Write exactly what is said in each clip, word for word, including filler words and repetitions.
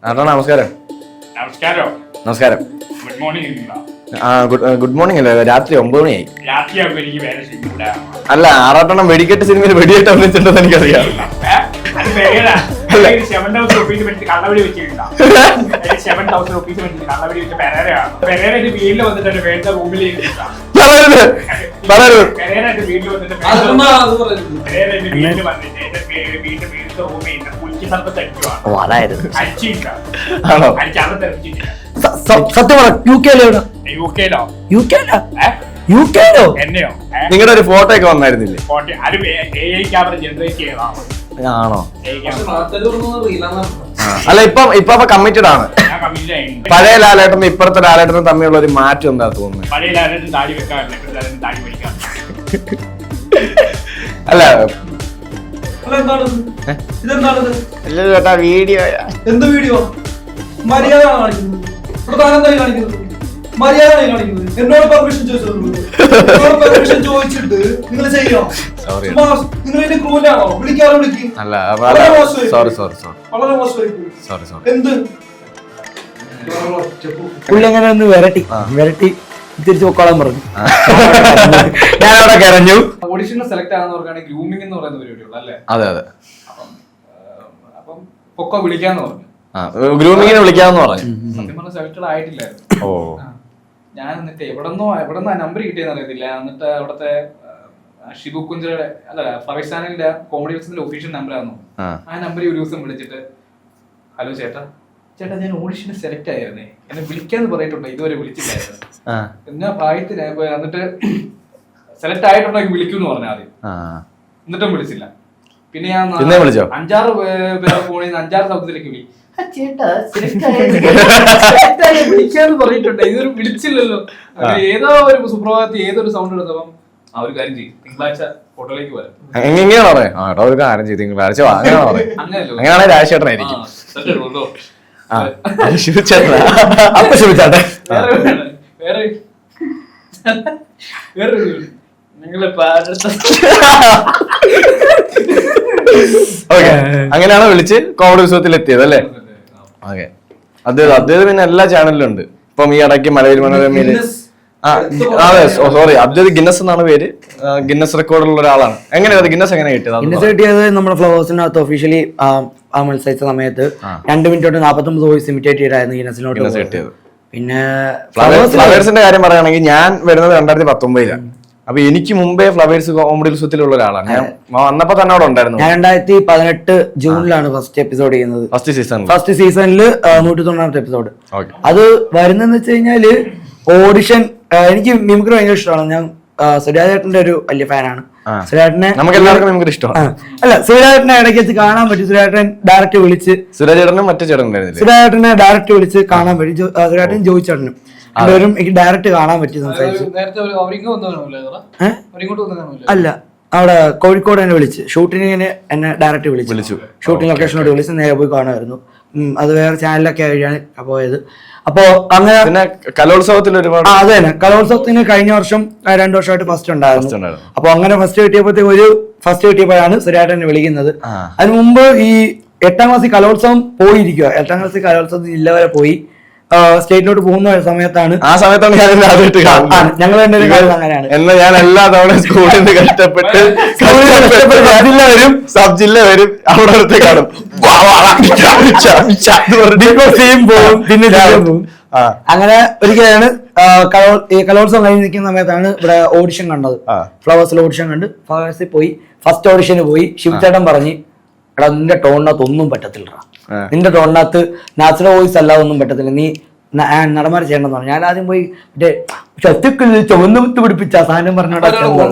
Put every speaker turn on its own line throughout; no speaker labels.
ആട്ടോ നമസ്കാരം.
നമസ്കാരം.
നമസ്കാരം.
Good morning.
ആ ഗുഡ് മോർണിംഗ് അല്ലേ? രാത്രി ഒമ്പത് മണിയായി.
രാത്രിയാകുമ്പോ എനിക്ക് വേറെ സിനിമ.
അല്ല, ആറാട്ടെണ്ണം വെടിക്കെട്ട് സിനിമയിൽ വെടിയേറ്റ് അഭിനയിച്ചിട്ടുണ്ടെന്ന് എനിക്കറിയാം.
സെവൻ തൗസൻഡ് റുപ്പീസ് വെച്ച് കള്ളവടി വെച്ചിട്ടുണ്ടോ? സെവൻ തൗസൻഡ് റുപ്പീസ് വെച്ച് കള്ളവടി വെച്ച് പെരേരയാണ്. പെരേര എന്റെ വീട്ടിൽ വന്നിട്ട് വേണ്ട റൂമിൽ പെരേര എന്റെ വീട്ടിൽ വന്നിട്ട് പെരേര എന്റെ വീട്ടിൽ വന്നിട്ട് എന്റെ വീട്ടിൽ വീട്ടിൽ റൂമിൽ കുളിക്ക് സ്ഥലത്ത് അടിക്കുവാണ്. അടിച്ചില്ല, അടിച്ചാണ് തെറിച്ചിട്ടില്ല.
സത്യം പറ, യു കെയിലോ?
യു കെയിലോ?
യു കെയിലോ? യു കെയിലോ?
എന്നെയോ?
നിങ്ങളുടെ ഒരു ഫോട്ടോ ഒക്കെ വന്നായിരുന്നില്ലേ?
അത് എ ഐ ക്യാമറ ജനറേറ്റ് ചെയ്തതാണ്.
ആണോ?
ഞാൻ
അല്ല, ഇപ്പൊ ഇപ്പൊ കമ്മിറ്റഡ് ആണ്.
കമ്മിറ്റ് ആയി.
പഴയ ലാലേട്ടനും ഇപ്പഴത്തെ ലാലേട്ടനും തമ്മിലുള്ള ഒരു മാറ്റം എന്താ തോന്നുന്നത്?
പഴയ ലാലേട്ടൻ താടി വെക്കാറില്ല, ഇപ്പോഴത്തെ ലാലേട്ടൻ താടി വയ്ക്കാറില്ല.
അല്ല
ഇതെന്താണിത്?
ചേട്ടാ വീഡിയോ
എന്ത് വീഡിയോ? മര്യാദ കാണിക്കുന്നത് പ്രധാനമായി കാണിക്കുന്നത് മര്യാദ കാണിക്കുന്നത്. എന്നോട് പെർമിഷൻ ചോദിച്ചിട്ടുള്ളൂ. എന്നോട് പെർമിഷൻ ചോദിച്ചിട്ട് നിങ്ങൾ ചെയ്യോ? നിങ്ങൾ എന്റെ ക്രൂലാണോ? വിളിക്കാറോ? വിളിക്കും.
അല്ല, സോറി സോറി സോറി
വളരെ മോശമായി.
സോറി സോറി
എന്ത് പുള്ളി അങ്ങനെ ഒന്ന് വിരട്ടി വിരട്ടി തിരിച്ചു പൊക്കോളാൻ പറഞ്ഞു.
ഞാൻ അവിടെ കരഞ്ഞു.
ഓഡിഷന് സെലക്ട് ആകുന്നവർക്കാണ് ഗ്രൂമിംഗ് എന്ന് പറയുന്ന പരിപാടിയുള്ളൂ അല്ലേ?
അതെ അതെ.
അപ്പം അപ്പം പൊക്കോ വിളിക്കാന്ന് പറഞ്ഞു.
ഗ്രൂമിങ്ങിന് വിളിക്കാന്ന് പറഞ്ഞു.
സത്യം പറഞ്ഞ സെലക്ടഡ് ആയിട്ടില്ലായിരുന്നു.
ഓ,
ഞാൻ എന്നിട്ട് എവിടെന്നോ എവിടെന്നോ ആ നമ്പർ കിട്ടിയെന്ന് അറിയത്തില്ല. എന്നിട്ട് അവിടുത്തെ ഷിബു കുഞ്ചറയുടെ അല്ല ഫ്ലവേഴ്സ് ചാനലിന്റെ കോമഡി ബിസിന്റെ ഒഫീഷ്യൽ നമ്പറായിരുന്നു. ആ നമ്പറിൽ ഒരു ദിവസം വിളിച്ചിട്ട്, ഹലോ ചേട്ടാ ചേട്ടാ ഞാൻ ഓഡിഷന് സെലക്ട് ആയിരുന്നേ, എന്നെ വിളിക്കാന്ന് പറഞ്ഞിട്ടുണ്ടോ? ഇതുവരെ വിളിച്ചില്ലായിരുന്നു. എന്നാ പ്രായത്തിന് എന്നിട്ട് സെലക്ട് ആയിട്ടുണ്ടെങ്കിൽ വിളിക്കൂന്ന് പറഞ്ഞു ആദ്യം. എന്നിട്ടും വിളിച്ചില്ല. പിന്നെ ഞാൻ അഞ്ചാറ് പേരെ ഫോണിൽ നിന്ന് അഞ്ചാറ് ശബ്ദത്തിലേക്ക് വിളി, ചേട്ടാ വിളിക്കാന്ന് പറഞ്ഞിട്ടുണ്ട്, ഇതൊരു വിളിച്ചില്ലല്ലോ. ഏതോ ഒരു സുപ്രഭാതത്തിൽ ഏതൊരു സൗണ്ട് എടുത്തപ്പം ആ ഒരു കാര്യം ചെയ്യും, തിങ്കളാഴ്ച ഹോട്ടലിലേക്ക് വരാം.
എങ്ങനെയാണ് പറയാം? ഒരു കാര്യം ചെയ്ത് തിങ്കളാഴ്ച
അങ്ങനെയല്ലോ.
അങ്ങനെയാണെങ്കിൽ രാജേട്ടനായിരിക്കും. അപ്പൊ ശ്രമിച്ചാട്ടെ.
വേറെ വേറെ നിങ്ങളെ
അങ്ങനെയാണ് വിളിച്ച് കോമഡി ഉത്സവത്തിൽ എത്തിയത് അല്ലേ? ഓക്കെ. അദ്ദേഹം അദ്ദേഹം പിന്നെ എല്ലാ ചാനലിലും ഉണ്ട്. ഇപ്പം ഈ ഇടയ്ക്ക് മലയാളി മനോരമയില് അതെ സോറി അബ്ദുൽ ഗിന്നസ് എന്നാണ് പേര്. ഗിന്നസ് റെക്കോർഡുള്ള ഒരാളാണ്. എങ്ങനെയാണ് ഗിന്നസ് എങ്ങനെ കിട്ടിയത്?
ഗിന്നസ് കിട്ടിയത് നമ്മുടെ ഫ്ലവേഴ്സിനകത്ത് ഒഫീഷ്യലി ആ മത്സരിച്ച സമയത്ത് രണ്ട് മിനിറ്റ് തൊട്ട് നാപ്പത്തി ഒമ്പത് വോയിസ് ഇമിറ്റേറ്റ് ചെയ്തായിരുന്നു ഗിന്നസിനോട്ട് കിട്ടിയത്. പിന്നെ
ഫ്ലവേഴ്സിന്റെ കാര്യം പറയുകയാണെങ്കിൽ ഞാൻ വരുന്നത് രണ്ടായിരത്തി പത്തൊമ്പതിലാണ്. അപ്പൊ എനിക്ക് മുമ്പേ ഫ്ലവേഴ്സ് കോമഡി ഉത്സവത്തിലുള്ള ഒരാളാണ്. ഞാൻ വന്നപ്പോ തന്നെ അവിടെ ഉണ്ടായിരുന്നു.
ഞാൻ രണ്ടായിരത്തി പതിനെട്ട് ജൂണിലാണ് ഫസ്റ്റ് എപ്പിസോഡ് ചെയ്യുന്നത്.
ഫസ്റ്റ് സീസൺ ഫസ്റ്റ്
സീസണില് നൂറ്റി തൊണ്ണൂറാമത്തെ എപ്പിസോഡ്. അത് വരുന്നതെന്ന് വെച്ച് കഴിഞ്ഞാല് ഓഡിഷൻ. എനിക്ക് മിമിക്രി ഭയങ്കര ഇഷ്ടമാണ്. ഞാൻ സുരാജേട്ടന്റെ ഒരു വലിയ ഫാനാണ്. സുരാജേട്ടനെ
നമുക്ക് എല്ലാവർക്കും മിമിക്രി ഇഷ്ടമാണ്.
അല്ല, സുരാജേട്ടനെ ഇടയ്ക്ക് വെച്ച് കാണാൻ പറ്റും. സുരാജേട്ടൻ ഡയറക്റ്റ് വിളിച്ച്
സുരാജേട്ടനും മറ്റേ ചേട്ടൻ
സുരാജേട്ടനെ ഡയറക്റ്റ് വിളിച്ച് കാണാൻ പറ്റും. സുരാജേട്ടൻ ജോയിച്ചേട്ടനും രണ്ടുപേരും എനിക്ക് ഡയറക്റ്റ് കാണാൻ പറ്റി, സംസാരിച്ചു. അല്ല, അവിടെ കോഴിക്കോട് എന്നെ വിളിച്ച് ഷൂട്ടിങ്ങിന് എന്നെ ഡയറക്റ്റ് വിളിച്ചു. ഷൂട്ടിംഗ് ലൊക്കേഷനോട് വിളിച്ച് നേരെ പോയി കാണുമായിരുന്നു. അത് വേറെ ചാനലൊക്കെ ആയിട്ടാണ് പോയത്. അപ്പോ അങ്ങനെ
കലോത്സവത്തിൽ ഒരുപാട്
അത് തന്നെ കലോത്സവത്തിന് കഴിഞ്ഞ വർഷം രണ്ടു വർഷമായിട്ട് ഫസ്റ്റ് ഉണ്ടായിരുന്നു. അപ്പൊ അങ്ങനെ ഫസ്റ്റ് കിട്ടിയപ്പോഴത്തേക്ക് ഒരു ഫസ്റ്റ് കിട്ടിയപ്പോഴാണ് സുരാജേട്ടനെ വിളിക്കുന്നത്. അതിന് മുമ്പ് ഈ എട്ടാം ക്ലാസ്സിൽ കലോത്സവം പോയിരിക്കുക. എട്ടാം ക്ലാസ്സിൽ കലോത്സവത്തിൽ ജില്ല വരെ പോയി സ്റ്റേറ്റിലോട്ട് പോകുന്ന സമയത്താണ്
ആ സമയത്താണ് ഞാൻ
ഞങ്ങൾ അങ്ങനെയാണ്.
എന്നാൽ ഞാൻ എല്ലാ തവണ സ്കൂളിൽ നിന്ന് കഷ്ടപ്പെട്ട് ജില്ല വരും, സബ് ജില്ല വരും, അവിടെ അടുത്ത് കാണും,
പോകും, പിന്നെ പോകും. അങ്ങനെ ഒരിക്കലാണ് ഈ കലോത്സവം കഴിഞ്ഞ് നിൽക്കുന്ന സമയത്താണ് ഇവിടെ ഓഡിഷൻ കണ്ടത്. ഫ്ലവേഴ്സിൽ ഓഡിഷൻ കണ്ട് ഫ്ലവേഴ്സിൽ പോയി ഫസ്റ്റ് ഓഡിഷന് പോയി. ശിവചേട്ടൻ പറഞ്ഞ്, എടാ നിന്റെ ടോണിനകത്ത് ഒന്നും പറ്റത്തില്ല, നിന്റെ ടോണിനകത്ത് നാച്ചുറൽ വോയിസ് അല്ലാതെ ഒന്നും പറ്റത്തില്ല, നീ നടന്മാർ ചെയ്യണമെന്ന് പറഞ്ഞു. ഞാൻ ആദ്യം പോയി മറ്റേ ശത്രുക്കളിൽ ചുവന്ന മുത്ത് പിടിപ്പിച്ച സാധനം പറഞ്ഞോടാ.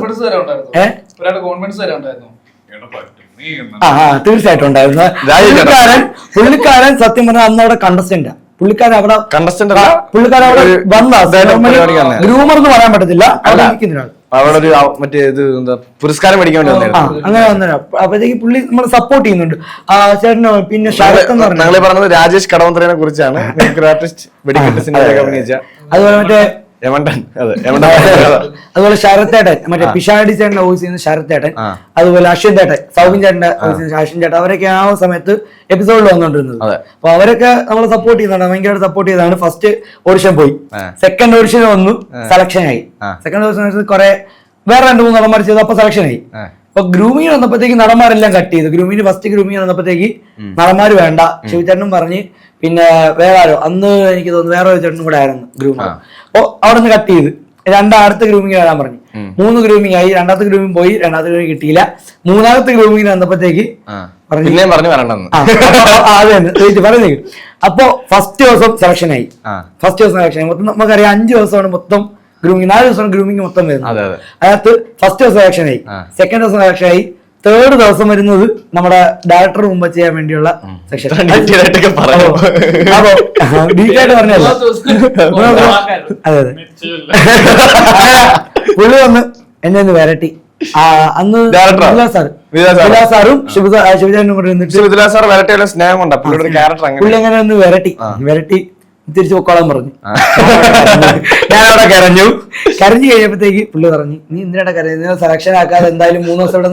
ആ തീർച്ചയായിട്ടും ഉണ്ടായിരുന്നു. പുള്ളിക്കാരൻ പുള്ളിക്കാരൻ സത്യം പറഞ്ഞാൽ അന്ന് അവിടെ കണ്ടസ്റ്റന്റാ. പുള്ളിക്കാരൻ അവിടെ
കണ്ടസ്റ്റന്റ്
പുള്ളിക്കാരൻ അവിടെ വന്ന ഗ്രൂമർ എന്ന് പറയാൻ പറ്റത്തില്ല. അവിടെ നിൽക്കുന്ന
അവിടെ ഒരു മറ്റേ ഇത് എന്താ പുരസ്കാരം മേടിക്കാൻ വേണ്ടി വന്നായിരുന്നു.
അങ്ങനെ വന്നേരം അപ്പോഴത്തേക്ക് പുള്ളി നമ്മളെ സപ്പോർട്ട് ചെയ്യുന്നുണ്ട്. ആ ചേട്ടന് പിന്നെ
ഞങ്ങൾ പറഞ്ഞത് രാജേഷ് കടവന്ത്രനെ കുറിച്ചാണ്. ആർട്ടിസ്റ്റ് വെടിക്കെട്ട് സിനിമയിലൊക്കെ അഭിനയിച്ച.
അതുപോലെ മറ്റേ
യമണ്ടൻ അതെ യമണ്ടൻ
അതുപോലെ ശരത്തേട്ടൻ മറ്റേ പിഷാടി ചേട്ടന്റെ വോയിസ് ചെയ്യുന്ന ശരത്തേട്ടൻ, അതുപോലെ അശ്വിൻ ചേട്ടൻ, സൗബിൻ ചേട്ടന്റെ വോയിസ് ചെയ്യുന്ന അശ്വിൻ ചേട്ടൻ, അവരൊക്കെ ആ സമയത്ത് എപ്പിസോഡിൽ വന്നോണ്ടിരുന്നത്. അപ്പൊ അവരൊക്കെ നമ്മളെ സപ്പോർട്ട് ചെയ്യുന്നതാണ്, ഭയങ്കരമായിട്ട് സപ്പോർട്ട് ചെയ്താണ്. ഫസ്റ്റ് ഓഡിഷൻ പോയി, സെക്കൻഡ് ഓഡിഷൻ വന്നു, സെലക്ഷൻ ആയി. സെക്കൻഡ് ഓഡിഷൻ കുറെ വേറെ രണ്ട് മൂന്ന് നടന്മാർ ചെയ്തു, അപ്പൊ സെലക്ഷൻ ആയി. അപ്പൊ ഗ്രൂമിങ് വന്നപ്പോഴത്തേക്ക് നടന്മാരെല്ലാം കട്ട് ചെയ്തു. ഗ്രൂമിന് ഫസ്റ്റ് ഗ്രൂമിങ് വന്നപ്പോഴത്തേക്ക് നടന്മാര് വേണ്ട, ശിവചേട്ടനും പറഞ്ഞ് പിന്നെ വേറെ ആരോ അന്ന് എനിക്ക് തോന്നുന്നു വേറെ ഒരു ചേട്ടനും കൂടെ ആയിരുന്നു ഗ്രൂമർ. അപ്പൊ അവിടെ നിന്ന് കട്ട് ചെയ്ത് രണ്ടാം അടുത്ത ഗ്രൂമിങ് വരാൻ പറഞ്ഞു. മൂന്ന് ഗ്രൂമിങ് ആയി, രണ്ടാമത്തെ ഗ്രൂമിങ് പോയി, രണ്ടാമത്തെ ഗ്രൂമിങ് കിട്ടിയില്ല. മൂന്നാമത്തെ ഗ്രൂമിങ്ങിന് വന്നപ്പോഴത്തേക്ക് പറഞ്ഞു. അപ്പൊ ഫസ്റ്റ് ദിവസം സെലക്ഷൻ ആയി, ഫസ്റ്റ് ദിവസം സെലക്ഷൻ ആയി. മൊത്തം നമുക്കറിയാം അഞ്ചു ദിവസമാണ് മൊത്തം ഗ്രൂമിങ്, നാല് ദിവസമാണ് ഗ്രൂമിങ് മൊത്തം വരുന്നത്. അതിനകത്ത് ഫസ്റ്റ് ദിവസം സെലക്ഷൻ ആയി, സെക്കൻഡ് ദിവസം സെലക്ഷൻ ആയി, തേർഡ് ദിവസം വരുന്നത് നമ്മുടെ ഡയറക്ടർ മുമ്പ് ചെയ്യാൻ വേണ്ടിയുള്ള സെക്ഷൻ. അപ്പൊ ഡീറ്റായിട്ട് പറഞ്ഞല്ലോ. അതെ അതെ പുള്ളി വന്ന് എന്നെ ഒന്ന് വരട്ടി. അന്ന് സാറും ശിവചാരനും കൂടെ നിന്നിട്ട് പുള്ളി അങ്ങനെ ഒന്ന് വരട്ടി വരട്ടി തിരിച്ചു പൊക്കോളാൻ പറഞ്ഞു. ഞാനവിടെ കരഞ്ഞു. കരഞ്ഞു കഴിഞ്ഞപ്പോഴത്തേക്ക് പുള്ളി പറഞ്ഞു, നീ എന്തിനാ കരയുന്നത്, സെലക്ഷൻ ആക്കാതെ എന്തായാലും മൂന്ന് ദിവസം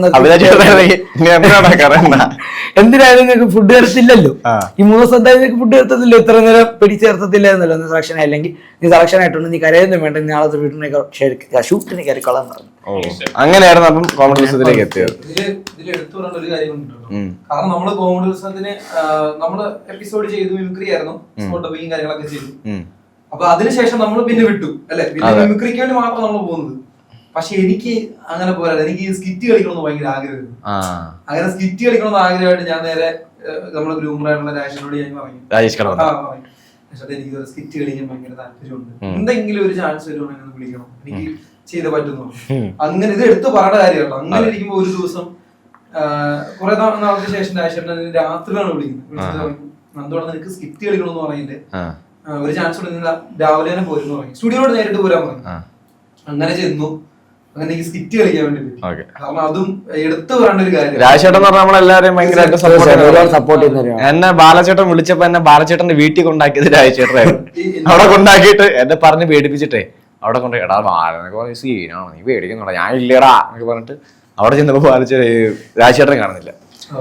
എന്തിനായാലും നിങ്ങൾക്ക് ഫുഡ് തരത്തില്ലല്ലോ, ഈ മൂന്ന് ദിവസം എന്തായാലും നിങ്ങൾക്ക് ഫുഡ് തരത്തില്ലോ, ഇത്ര നേരം പിടിച്ചേർത്തത്തില്ല എന്നല്ലോ. നീ സെലക്ഷൻ ആയില്ലെങ്കിൽ നീ സെലക്ഷൻ ആയിട്ടുണ്ട്, നീ കരയൊന്നും വേണ്ട, നാളത്തെ വീട്ടിനെ ഷൂട്ടിന് കയറിക്കൊള്ളാൻ പറഞ്ഞു.
അങ്ങനെയായിരുന്നു അപ്പം കോമഡി ഉത്സവത്തിലേക്ക് എത്തിയത്.
ഇതിൽ എടുത്തു പറയേണ്ട ഒരു കാര്യമുണ്ടല്ലോ, കാരണം നമ്മള് കോമഡി ഉത്സവത്തിന് നമ്മള് എപ്പിസോഡ് ചെയ്തു, മിമിക്രി ആയിരുന്നു, ഡബിങ്ങും കാര്യങ്ങളൊക്കെ ചെയ്തു. അപ്പൊ അതിനുശേഷം നമ്മൾ പിന്നെ വിട്ടു അല്ലെ, പിന്നെ മിമിക്രിക്ക് വേണ്ടി മാത്രം നമ്മൾ പോകുന്നത്. പക്ഷെ എനിക്ക് അങ്ങനെ പോരാ, എനിക്ക് സ്കിറ്റ് കളിക്കണമെന്ന് ഭയങ്കര ആഗ്രഹമായിരുന്നു. അങ്ങനെ സ്കിറ്റ് കളിക്കണമെന്ന് ആഗ്രഹമായിട്ട് ഞാൻ നേരെ നമ്മളെ ഗ്രൂമറായിട്ടുള്ള രാജേഷിനോട് ഞാൻ പറഞ്ഞു, എനിക്ക് സ്കിറ്റ് കളിക്കാൻ ഭയങ്കര താല്പര്യമുണ്ട്, എന്തെങ്കിലും ഒരു ചാൻസ് വരുവാണെങ്കിൽ വിളിക്കണം, എനിക്ക് ചെയ്തേ പറ്റുന്നു. അങ്ങനെ ഇത് എടുത്തു പറയേണ്ട കാര്യമാണ്. അങ്ങനെ ഇരിക്കുമ്പോ ഒരു ദിവസം കുറെ നാളത്തെ ശേഷം രാജേഷേട്ടൻ രാത്രിയിലാണ് വിളിക്കുന്നത്. നന്ദോടെ നിനക്ക് സ്കിറ്റ് കളിക്കണമെന്ന് പറഞ്ഞിട്ട് ഒരു ചാൻസ് കൊടുക്കുന്നില്ല, രാവിലെ തന്നെ പോരുന്നു പറഞ്ഞു, സ്റ്റുഡിയോട് നേരിട്ട് പോരാൻ പറഞ്ഞു. അങ്ങനെ ചെന്നു, അങ്ങനെ എനിക്ക് സ്കിറ്റ് കളിക്കാൻ വേണ്ടി പറ്റി. കാരണം അതും എടുത്തു പറയേണ്ട ഒരു കാര്യം.
രാജേട്ടൻ പറഞ്ഞാൽ നമ്മളെല്ലാരെയും ഭയങ്കരമായിട്ട് സപ്പോർട്ട് ചെയ്യുന്ന. എന്നെ ബാലചേട്ടൻ വിളിച്ചപ്പോ എന്നെ ബാലചേട്ടന്റെ വീട്ടിൽ കൊണ്ടാക്കിയത് രാജേട്ടനായിരുന്നു. അവിടെ കൊണ്ടാക്കിയിട്ട് എന്നെ പറഞ്ഞ് പേടിപ്പിച്ചിട്ടേ അവിടെ കൊണ്ട് എടാ ബാലനൊക്കെ സീനാണോ, നീ പേടിക്കുന്നുണ്ടോ, ഞാൻ ഇല്ലടാ എന്നൊക്കെ പറഞ്ഞിട്ട് അവിടെ ചെന്നപ്പോ ബാലചേ രാജേട്ടനെ കാണുന്നില്ല.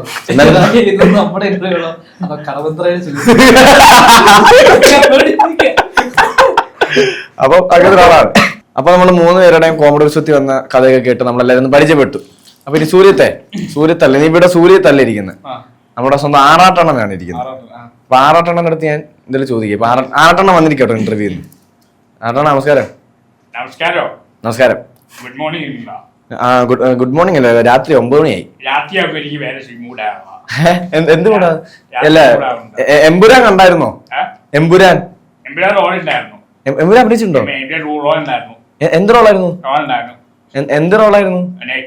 അപ്പൊ അങ്ങനെ ഒരാളാണ്. അപ്പൊ നമ്മള് മൂന്ന് പേരുടെയും കോമഡി ഉത്സവത്തിൽ വന്ന കഥയൊക്കെ കേട്ട് നമ്മളെല്ലാരും പരിചയപ്പെട്ടു. അപ്പൊ ഇനി സൂര്യത്തെ സൂര്യത്തല്ല, നീ ഇവിടെ സൂര്യത്തല്ല ഇരിക്കുന്നത്, നമ്മുടെ സ്വന്തം ആറാട്ടെണ്ണനാണ് ഇരിക്കുന്നത്. അപ്പൊ ആറാട്ടെണ്ണന്റെ അടുത്ത് ഞാൻ എന്തെങ്കിലും ചോദിക്കും. ആറാട്ടെണ്ണം വന്നിരിക്കട്ടോ ഇന്റർവ്യൂന്ന്. ആറാട്ടെണ്ണ നമസ്കാരം.
നമസ്കാരം.
നമസ്കാരം.
Good morning.
ആ ഗുഡ് ഗുഡ് മോർണിംഗ് അല്ലേ, രാത്രി ഒമ്പത് മണിയായി. എന്തുകൂടാ അല്ല, എമ്പുരാൻ കണ്ടായിരുന്നോ? എമ്പുരാൻ എമ്പുരാൻ അഭിനയിച്ചിട്ടുണ്ടോ? എന്ത് റോളായിരുന്നു? എന്ത് റോളായിരുന്നു?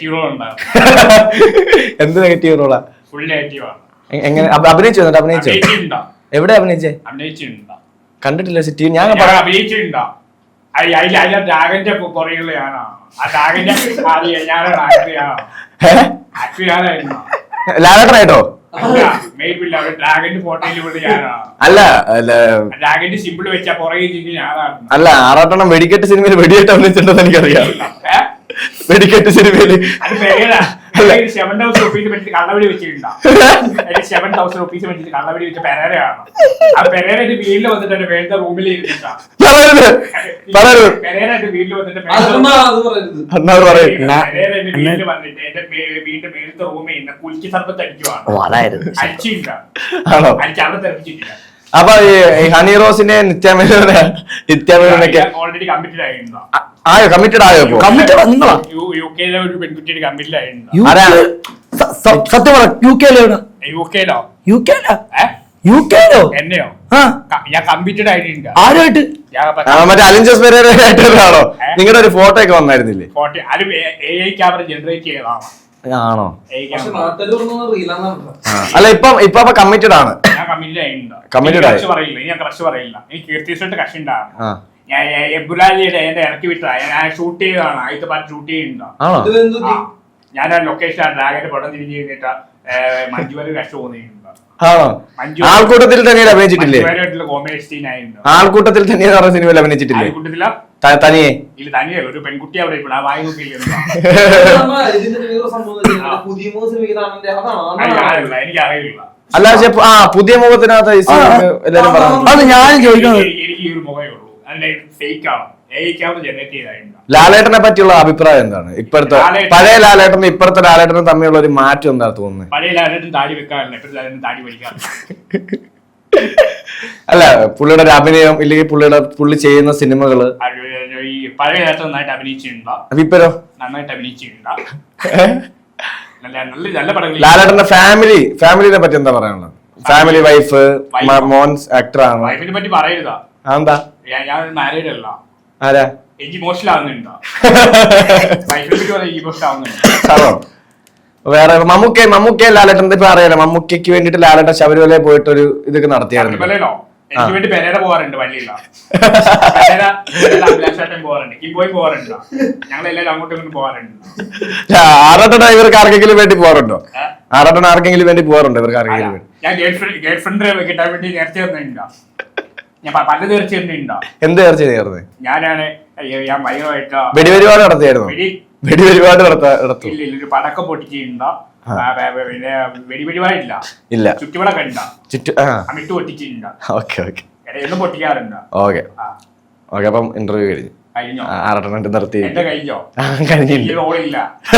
എന്ത് നെഗറ്റീവ് റോളാ? എങ്ങനെ അഭിനയിച്ചു? എന്നിട്ട് അഭിനയിച്ചോ? എവിടെ അഭിനയിച്ചേ? കണ്ടിട്ടില്ല സിറ്റി. ഞാൻ
അഭിനയിച്ചിട്ടുണ്ടോ? ഡ്രാഗന്റെ പുറകിലെയാണോ? ആ ഡ്രാഗന്റെ
ലാലേട്ടനായിട്ടോ? അല്ല
ഡ്രാഗന്റെ സിമ്പിൾ വെച്ചാ പുറകെ ഞാനാണ്.
അല്ല, ആറാട്ടെണ്ണം വെടിക്കെട്ട് സിനിമയിൽ വെടിയേറ്റ് അഭിനയിച്ചിട്ടുണ്ടെന്ന് എനിക്കറിയാം. വെടിക്കെട്ട് സിനിമയില്
സെവൻ തൗസൻഡ് റുപ്പീസ് വെച്ചിട്ട് കള്ളവടി വെച്ചിട്ടുണ്ടോ? സെവൻ തൗസൻഡ് റുപ്പീസ് വെച്ചിട്ട് കള്ളവടി വെച്ച പെരേരയാണ്. ആ പെരേരന്റെ വീട്ടിൽ വന്നിട്ട് വേണ്ട റൂമിൽ ഇരുന്നിട്ടാ പെരേരന്റെ വീട്ടിൽ വന്നിട്ട് വീട്ടിൽ വന്നിട്ട് എന്റെ വീടിന്റെ മേലത്തെ റൂമിൽ നിന്ന് കുലിക്ക് സർബത്ത് അടിക്കുവാണ്. അടിച്ചില്ല, അടിച്ച് അവിടെ തെറിപ്പിച്ചിട്ടില്ല.
അപ്പൊ ഈ ഹണി റോസിന്റെ നിത്യാമേനോനെ നിത്യാമേനോനൊക്കെ
ഓൾറെഡി കമ്മിറ്റഡ് ആയിരുന്നോ?
ആയോ? കമ്മിറ്റഡ് ആയോ? കമ്മിറ്റഡ് നിങ്ങളാ?
യു കെയിലെ ഒരു പെൺകുട്ടിയുടെ കമ്മിറ്റഡ് ആയിരുന്നോ?
സത്യം പറ, യു കെയിലോ?
യു കെയിലോ?
യു കെയിലോ? യു കെയിലോ?
എന്നെയോ? ഞാൻ കമ്മിറ്റഡ് ആയിട്ടുണ്ട്.
ആരുമായിട്ട്?
മറ്റേ അലിഞ്ചസ് പെരേരയായിട്ടാണോ? നിങ്ങളുടെ ഒരു ഫോട്ടോ ഒക്കെ വന്നായിരുന്നില്ലേ?
ഫോട്ടോ അത് എ ഐ ക്യാമറ ജനറേറ്റ് ചെയ്തതാണ്.
ആണോ?
പറയില്ല.
അല്ല ഇപ്പൊ ഇപ്പൊ കമ്മിറ്റഡ് ആണ്.
ഞാൻ കമ്മിറ്റഡ് ആയിട്ടുണ്ട്.
കമ്മിറ്റഡ് ആയി
പറയില്ല, ഞാൻ ക്രഷ് പറയില്ല. എനിക്ക് കീർത്തിയുടെ കഷ് ഉണ്ടാണ്. ഞാൻ എബുലാലിയുടെ എന്റെ ഇറക്കി വിട്ടതാ. ഞാൻ ഷൂട്ട് ചെയ്തതാണ്. ആദ്യത്തെ പാട്ട് ഷൂട്ട് ചെയ്യുന്നുണ്ടോ? ഞാൻ ആ ലൊക്കേഷൻ ഡ്രാഗന്റെ പടം തിരിഞ്ഞു കഴിഞ്ഞിട്ട് മഞ്ജുവര് കഷ് തോന്നിയിട്ടുണ്ട്.
ആണോ?
മഞ്ജു
ആൾക്കൂട്ടത്തിൽ തന്നെ അഭിനയിച്ചിട്ടില്ലേ?
മഞ്ജുവാരുമായിട്ടുള്ള കോമഡി സീൻ ആയിരുന്നു.
ആൾക്കൂട്ടത്തിൽ തന്നെ പറഞ്ഞ സിനിമയിൽ അഭിനയിച്ചിട്ടില്ലേ?
ആൾക്കൂട്ടത്തില
ത- തനിയെ
ഇല്ല തനിയല്ല ഒരു പെൺകുട്ടി അവിടെ ഇപ്പോൾ ആ വായി നോക്കിയില്ല
ഇതിന്റെ വേറെ സംഭവം എന്ന് വെച്ചാൽ പുതിയ മൂന്ന് സിനിമ ഇതാണെന്റെ അതാണ്
എനിക്ക് അറിയില്ല.
അല്ല പക്ഷെ ആ പുതിയ മുഖത്തിനകത്ത് ഈ സിനിമ എല്ലാരും പറഞ്ഞു.
അത് ഞാൻ ചോദിക്കുന്നത്
എനിക്ക് ഈ ഒരു മുഖമേ ഉള്ളൂ. അതിന്റെ ഫേക്ക് ആണ്. ഏക്കാവുന്ന ജനറേറ്റ് ചെയ്തായിരുന്നു.
ലാലേട്ടനെ പറ്റിയുള്ള അഭിപ്രായം എന്താണ്? ഇപ്പോഴത്തെ
ലാലേട്ടൻ-
പഴയ ലാലേട്ടനും ഇപ്പോഴത്തെ ലാലേട്ടനും തമ്മിലുള്ള ഒരു മാറ്റം എന്താ തോന്നുന്നത്?
പഴയ ലാലേട്ടൻ താടി വെക്കാറില്ല, ഇപ്പോഴത്തെ ലാലേട്ടൻ താടി വലിക്കാറില്ല.
അല്ല പുള്ളിയുടെ ഒരു അഭിനയം ഇല്ലെങ്കിൽ പുള്ളിയുടെ പുള്ളി ചെയ്യുന്ന സിനിമകള്
അത് ഈ പഴയ ലാലേട്ടൻ നന്നായിട്ട് അഭിനയിച്ചിട്ടുണ്ടോ?
അപ്പൊ ഇപ്പരോ
നന്നായിട്ട് അഭിനയിച്ചിട്ടുണ്ടോ? നല്ല നല്ല നല്ല പടങ്ങൾ.
ലാലേട്ടന്റെ ഫാമിലി ഫാമിലിനെ പറ്റി എന്താ പറയാനുള്ളത്? ഫാമിലി വൈഫ് മോൻസ് ആക്ടർ ആണ്.
വൈഫിനെ പറ്റി പറയരുതാ.
എന്താ?
ഞാൻ- ഞാൻ മാരീഡ് അല്ല.
ആരാ?
എനിക്ക് ഇമോഷണൽ ആവുന്നുണ്ടോ? വൈഫിനെ പറ്റി പറയാൻ ഇമോഷണൽ ആവുന്നുണ്ടോ?
ആണോ? വേറെ മമ്മൂക്ക മമ്മൂക്ക ലാലേട്ടൻ ഇപ്പൊ അറിയാലോ, മമ്മൂക്കയ്ക്ക് വേണ്ടിട്ട് ലാലേട്ടൻ ശബരിമലയിൽ പോയിട്ട് ഒരു ഇതൊക്കെ നടത്തിയായിരുന്നു.
ശബരിമലയിലോ? എനിക്ക് വേണ്ടി പെരേര പോവാറുണ്ട് വള്ളിയില്ല. പെരേര അഭിലാഷാട്ടൻ പോവാറുണ്ട്, കിംബോയ് പോവാറുണ്ട്, ഞങ്ങൾ എല്ലാവരും അങ്ങോട്ടും ഇങ്ങോട്ടും പോവാറുണ്ട്.
ആറാട്ടൻ ഇവർക്ക് ആർക്കെങ്കിലും വേണ്ടി പോകാറുണ്ടോ? ആറാട്ടൻ ആർക്കെങ്കിലും വേണ്ടി പോകാറുണ്ടോ ഇവർക്ക് ആർക്കെങ്കിലും വേണ്ടി?
ഞാൻ ഗേൾ ഫ്രണ്ട് ഗേൾ ഫ്രണ്ട് കിട്ടാൻ വേണ്ടി നേർച്ച തന്നിട്ടുണ്ടോ? ഞാൻ പ- പല നേർച്ച തന്നിട്ടുണ്ടോ?
എന്ത് ചർച്ച ചെയ്യാറുണ്ട്?
ഞാനാണ് അയ്യോ, ഞാൻ ഭയങ്കരമായിട്ട്
വെടിപരിപാട് നടത്തിയായിരുന്നു?
വെടി
വെടിപരിപാട് നടത്താ നടത്തു
ഇല്ല ഇല്ല ഒരു പടക്കം പൊട്ടിച്ചിട്ടുണ്ടോ? പിന്നെ വെടി വെടിപാടില്ല,
ഇല്ല.
ചുറ്റുവിളക്ക് ഉണ്ടോ?
ചുറ്റു ആ
അമിട്ട് പൊട്ടിച്ചിട്ടുണ്ടോ?
ഓക്കെ ഓക്കെ
എന്നും പൊട്ടിക്കാറുണ്ടോ?
ഓക്കെ
ആ
ഓക്കെ അപ്പം ഇന്റർവ്യൂ കഴിഞ്ഞു.
കഴിഞ്ഞോ?
ആറാട്ടൻ നിർത്തി.
എന്റെ കഴിഞ്ഞോ?
ആ, കഴിഞ്ഞില്ല.
ഈ റോളില്ല.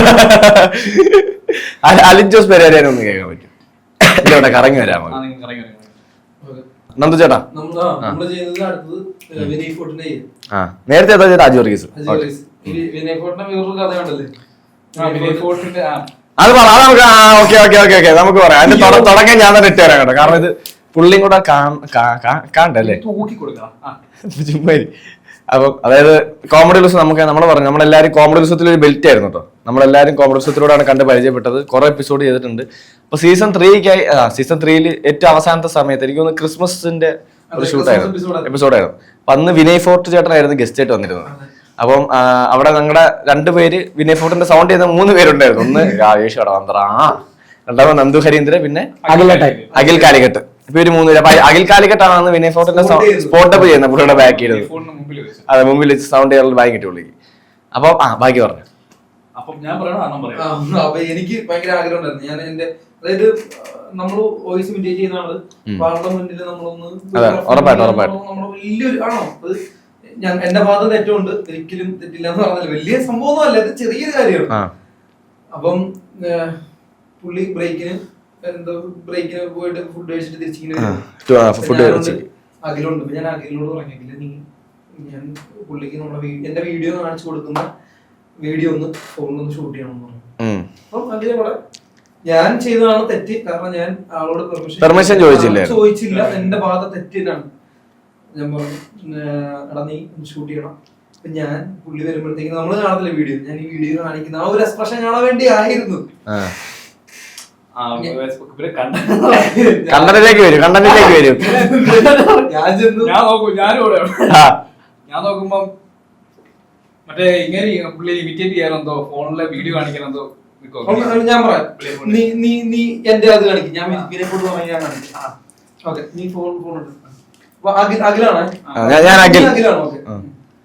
അല- അലിൻ ജോസ് പെരേരനെ ഒന്ന് കേൾക്കാൻ പറ്റും? ഇവിടെ കറങ്ങി വരാമോ?
ആ, നിങ്ങൾ ഇറങ്ങി വരൂ.
നന്ദു ചേട്ടാ.
നമ്മൾ നമ്മള് ചെയ്യുന്നത് അടുത്തത് വിനയ് ഫോർട്ടിന്റെ ചെയ്യും.
ആ നേരത്തെ ഏതാ ചെയ്ത? അജു വർഗീസ്.
അജയ് വർഗീസ്. ഈ വിനയ് ഫോർട്ടിന്റെ വേറൊരു കഥ കണ്ടല്ലേ?
ആ, വിനയ് ഫോർട്ടിന്റെ ആ
അത് പറ, അത് നമുക്ക് ഓക്കെ ഓക്കെ ഓക്കെ ഓക്കെ നമുക്ക് പറയാം. അതിന്റെ തുട- തുടക്കം ഞാൻ തന്നെ ഇട്ട് തരാം കേട്ടോ, കാരണം ഇത് പുള്ളിയും കൂടെ കാണണ്ടല്ലേ
തൂക്കി കൊടുക്കാം. ആ
ചുമ്മാ ഇരി. അപ്പം അതായത് കോമഡി ഉത്സവം നമുക്ക് നമ്മൾ പറഞ്ഞു നമ്മളെല്ലാവരും കോമഡി ഉത്സവത്തിൽ ഒരു ബെൽറ്റ് ആയിരുന്നു കേട്ടോ. നമ്മളെല്ലാവരും കോമഡി ഉത്സവത്തിലൂടെയാണ് കണ്ട് പരിചയപ്പെട്ടത്. കുറെ എപ്പിസോഡ് ചെയ്തിട്ടുണ്ട്. അപ്പൊ സീസൺ ത്രീക്കായി സീസൺ ത്രീയിൽ ഏറ്റവും അവസാനത്തെ സമയത്ത് എനിക്ക് തോന്നുന്നു ക്രിസ്മസിന്റെ ഒരു ഷൂട്ടായിരുന്നു, എപ്പിസോഡായിരുന്നു. അപ്പൊ അന്ന് വിനയ് ഫോർട്ട് ചേട്ടനായിരുന്നു ഗസ്റ്റ് ആയിട്ട് വന്നിരുന്നത്. അപ്പം ആ, അവിടെ ഞങ്ങളുടെ രണ്ടുപേര് വിനയ് ഫോർട്ടിന്റെ സൗണ്ട് ചെയ്യുന്ന മൂന്ന് പേരുണ്ടായിരുന്നു. ഒന്ന് രാജേഷ് കടവന്ത്ര, ആ രണ്ടാമത് നന്ദു ഹരീന്ദ്രൻ, പിന്നെ
അഖിലേട്ടായി
അഖിൽ കാലിക്കട്ട്. ഇപ്പൊ ഒരു മൂന്ന് പേര്. അപ്പൊ അഖിൽ കാലിക്കട്ടാണ് അന്ന് വിനയ് ഫോർട്ടിന്റെ സ്പോട്ടപ്പ് ചെയ്യുന്നത് പുള്ളിയുടെ ബാക്ക് ചെയ്തത്.
ഫോണിന് മുമ്പിൽ വെച്ച്.
അതെ മുമ്പിൽ വെച്ച് സൗണ്ട് ചെയ്യാനുള്ള ബാഗ് കിട്ടി പുള്ളിക്ക്. അപ്പൊ ആ ബാക്കി പറഞ്ഞു.
അപ്പം ഞാൻ പറയണോ അണ്ണം
ആ,
പറയാം?
അപ്പൊ എനിക്ക് ഭയങ്കര ആഗ്രഹം ഉണ്ടായിരുന്നു. ഞാൻ എന്റെ അതായത് നമ്മൾ വോയിസ് ഇമിറ്റേറ്റ് ചെയ്യുന്ന ആള് പാർലമെന്റിൽ നമ്മളൊന്ന്
അതെ, ഉറപ്പായിട്ടും, ഉറപ്പായിട്ടും.
നമ്മള് വലിയൊരു ആണോ അത് ഞാൻ എന്റെ ഭാഗത്ത് തെറ്റുണ്ട്, ഒരിക്കലും തെറ്റില്ല എന്ന് പറഞ്ഞാൽ വലിയ സംഭവമൊന്നും അല്ല, ഇത് ചെറിയൊരു കാര്യമാണ്.
ആ
അപ്പം ഏഹ്, പുള്ളി ബ്രേക്കിന് എന്തോ ബ്രേക്കിന് പോയിട്ട് ഫുഡ് കഴിച്ചിട്ട് തിരിച്ചിങ്ങനെ വരും.
ഫുഡ്
അഖിലുണ്ട്. അപ്പൊ ഞാൻ അഖിലിനോട് പറഞ്ഞില്ല, നീ ഞാൻ പുള്ളിക്ക് നമ്മുടെ വീ- എന്റെ വീഡിയോ കാണിച്ചു കൊടുക്കുന്ന വീഡിയോ ഒന്ന് ഫോണിലൊന്ന് ഷൂട്ട് ചെയ്യണം എന്ന് പറഞ്ഞു. അപ്പം അഖിലെ കൂടെ ഞാൻ ചെയ്തതാണ് തെറ്റ്, കാരണം ഞാൻ ആളോട്
Permission ചോദിച്ചില്ലേ?
ചോദിച്ചില്ല, എന്റെ ഭാഗത്ത് തെറ്റിട്ടാണ്. ഞാൻ പറഞ്ഞു ഏഹ്, എടാ നീ ഷൂട്ട് ചെയ്യണം. അപ്പൊ ഞാൻ പുള്ളി വരുമ്പോഴത്തേക്ക് നമ്മള് കാണത്തില്ല വീഡിയോ, ഞാൻ ഈ വീഡിയോ കാണിക്കുന്ന ആ ഒരു എക്സ്പ്രഷൻ കാണാൻ വേണ്ടി ആയിരുന്നു.
ആ, ഇവരെ കണ്ട
കണ്ടന്റിലേക്ക് വരും, കണ്ടന്റിലേക്ക് വരും.
ഞാൻ ചെന്നു
ഞാൻ നോക്കൂ, ഞാനും ഇവിടെ
ആ,
ഞാൻ നോക്കുമ്പം മറ്റേ ഇങ്ങനെ പുള്ളി ഇമിറ്റേറ്റ് ചെയ്യാനെന്തോ ഫോണിലെ വീഡിയോ കാണിക്കാനെന്തോ നിക്കോ.
അപ്പോൾ ഞാൻ പറയാം, നീ നീ നീ എന്റെ അത് കാണിക്കും, ഞാൻ ഇതിനെ കൊണ്ട് പറഞ്ഞാൽ ഞാൻ കാണിക്കും. ഓക്കെ, നീ ഫോൺ ഫോൺ എടുത്ത് അപ്പൊ അഖിൽ അഖിലാണ്
ആ, ഞാൻ- ഞാൻ അഖിൽ.
അഖിലാണ്. ഓക്കെ,
ആ.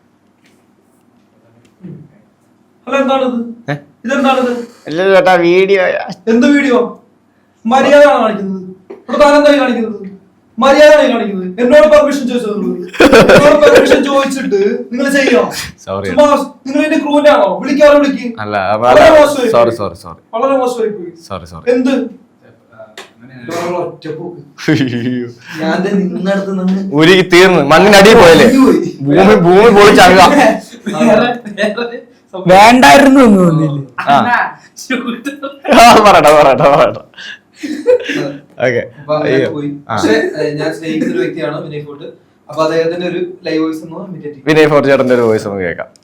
ഹലോ, എന്താണിത്?
ഏ?
ഇതെന്താണിത്?
അല്ല ചേട്ടാ വീഡിയോ.
എന്ത് വീഡിയോ? മര്യാദയാണ് കാണിക്കുന്നത്. ഇവിടെ താനെന്തായി കാണിക്കുന്നത്? മര്യാദയാണ് കാണിക്കുന്നത്. എന്നോട് പെർമിഷൻ ചോദിച്ചത്, എന്നോട് പെർമിഷൻ ചോദിച്ചിട്ട് നിങ്ങൾ ചെയ്യണം.
സോറി
നിങ്ങൾ എന്റെ ക്രൂവിന്റെ ആണോ? വിളിക്കാറോ വിളിക്ക്.
അല്ല
വളരെ മോശമായി
സോറി
പോയി.
സോറി സോറി
വളരെ മോശമായി പോയി.
സോറി സോറി
എന്ത്
അങ്ങനെ
ഒറ്റപ്പോക്ക്. ഞാൻ ദേ നിന്നടുത്ത് നിന്ന്
ഉരുകി തീർന്ന് മണ്ണിനടിയിൽ പോയല്ലേ,
പോയി.
ഭൂമി ഭൂമി പൊളിച്ചങ്ങ.
വേറെ- വേറെ സംഭവം.
വേണ്ടായിരുന്നു എന്ന് തോന്നില്ല.
ആ ആ, പറയട്ടെ പറയട്ടെ പറയട്ടെ ഓക്കെ.
അപ്പൊ അങ്ങനെ പോയി. പക്ഷെ ഏഹ്, ഞാൻ സ്നേഹിക്കുന്ന ഒരു വ്യക്തിയാണ് വിനയ് ഫോർട്ട്. അപ്പൊ അദ്ദേഹത്തിന്റെ ഒരു ലൈവ് വോയിസ് ഒന്ന് ഇമിറ്റേറ്റ് ചെയ്യും.
വിനയ് ഫോർട്ട് ചേട്ടന്റെ ഒരു വോയിസ് നമുക്ക് കേൾക്കാം.